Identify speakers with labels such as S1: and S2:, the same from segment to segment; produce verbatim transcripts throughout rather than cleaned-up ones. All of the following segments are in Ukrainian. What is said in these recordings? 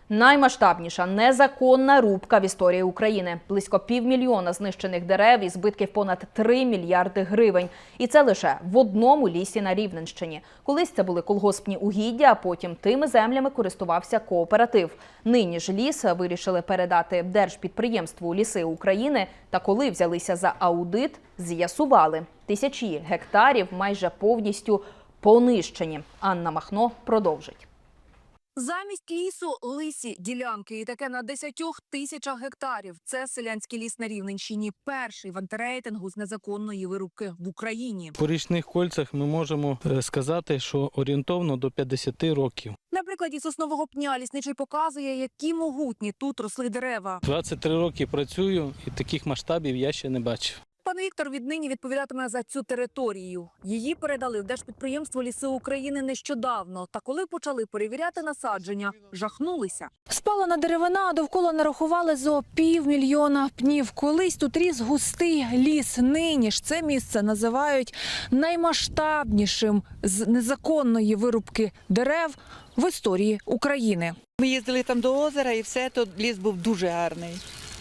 S1: Наймасштабніша незаконна рубка в історії України. Близько півмільйона знищених дерев і збитків понад три мільярди гривень. І це лише в одному лісі на Рівненщині. Колись це були колгоспні угіддя, а потім тими землями користувався кооператив. Нині ж ліс вирішили передати держпідприємству «Ліси України». Та коли взялися за аудит, з'ясували – тисячі гектарів майже повністю понищені. Анна Махно продовжить.
S2: Замість лісу – лисі ділянки. І таке на десятьох тисячах гектарів. Це селянський ліс на Рівненщині. Перший в антирейтингу з незаконної вирубки в Україні.
S3: По річних кольцях ми можемо сказати, що орієнтовно до п'ятдесят років.
S2: На прикладі соснового пня лісничий показує, які могутні тут росли дерева.
S3: двадцять три роки працюю і таких масштабів я ще не бачив.
S2: Пан Віктор віднині відповідатиме за цю територію. Її передали в Держпідприємство «Ліси України» нещодавно. Та коли почали перевіряти насадження, жахнулися. Спалена деревина, а довкола нарахували зо півмільйона пнів. Колись тут ріс густий ліс. Нині ж це місце називають наймасштабнішим з незаконної вирубки дерев в історії України.
S4: Ми їздили там до озера і все, то ліс був дуже гарний.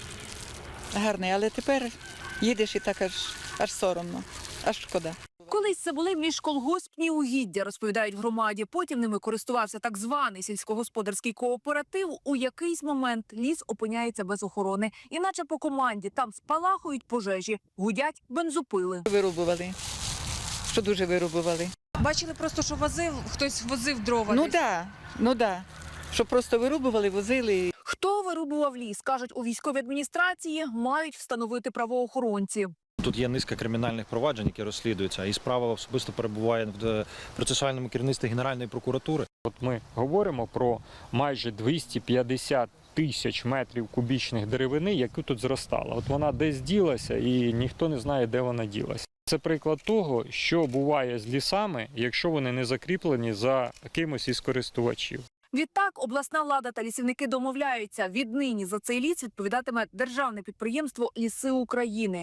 S4: Гарний, але тепер їдеш і так аж, аж соромно, аж шкода.
S2: Колись це були міжколгоспні угіддя, розповідають в громаді. Потім ними користувався так званий сільськогосподарський кооператив. У якийсь момент ліс опиняється без охорони. Іначе по команді там спалахують пожежі, гудять бензопили.
S4: Вирубували, що дуже вирубували.
S2: Бачили просто, що возив, хтось возив дрова.
S4: Ну так, да, ну так. Да. Що просто вирубували, возили.
S2: Хто вирубував ліс, кажуть у військовій адміністрації, мають встановити правоохоронці.
S5: Тут є низка кримінальних проваджень, які розслідуються, і справа особисто перебуває в процесуальному керівництві Генеральної прокуратури.
S6: От ми говоримо про майже двісті п'ятдесят тисяч метрів кубічних деревини, яку тут зростала. От вона десь ділася і ніхто не знає, де вона ділася. Це приклад того, що буває з лісами, якщо вони не закріплені за кимось із користувачів.
S2: Відтак, обласна влада та лісівники домовляються. Віднині за цей ліс відповідатиме державне підприємство «Ліси України».